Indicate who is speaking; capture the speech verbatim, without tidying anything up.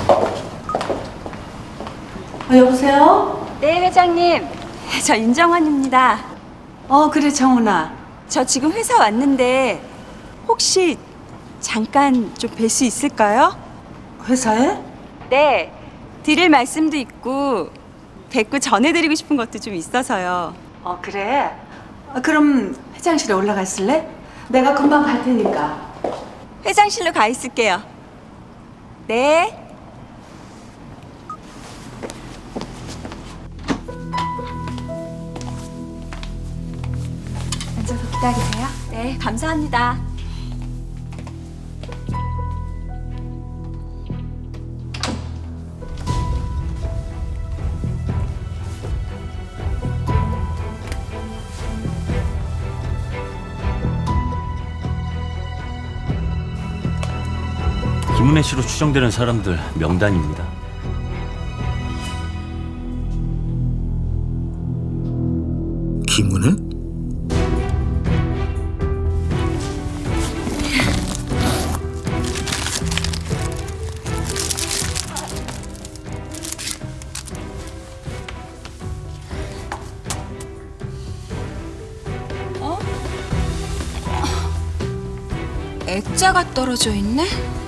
Speaker 1: 어, 여보세요?
Speaker 2: 네, 회장님. 저 윤정원입니다.
Speaker 1: 어, 그래, 정훈아.
Speaker 2: 저 지금 회사 왔는데 혹시 잠깐 좀 뵐 수 있을까요?
Speaker 1: 회사에?
Speaker 2: 네, 드릴 말씀도 있고 뵙고 전해드리고 싶은 것도 좀 있어서요.
Speaker 1: 어, 그래. 어, 그럼 회장실에 올라가 있을래? 내가 금방 갈 테니까.
Speaker 2: 회장실로 가 있을게요. 네. 앉아서 기다리세요. 네, 감사합니다.
Speaker 3: 김은혜 씨로 추정되는 사람들 명단입니다.
Speaker 4: 김은혜?
Speaker 2: 액자가 떨어져 있네?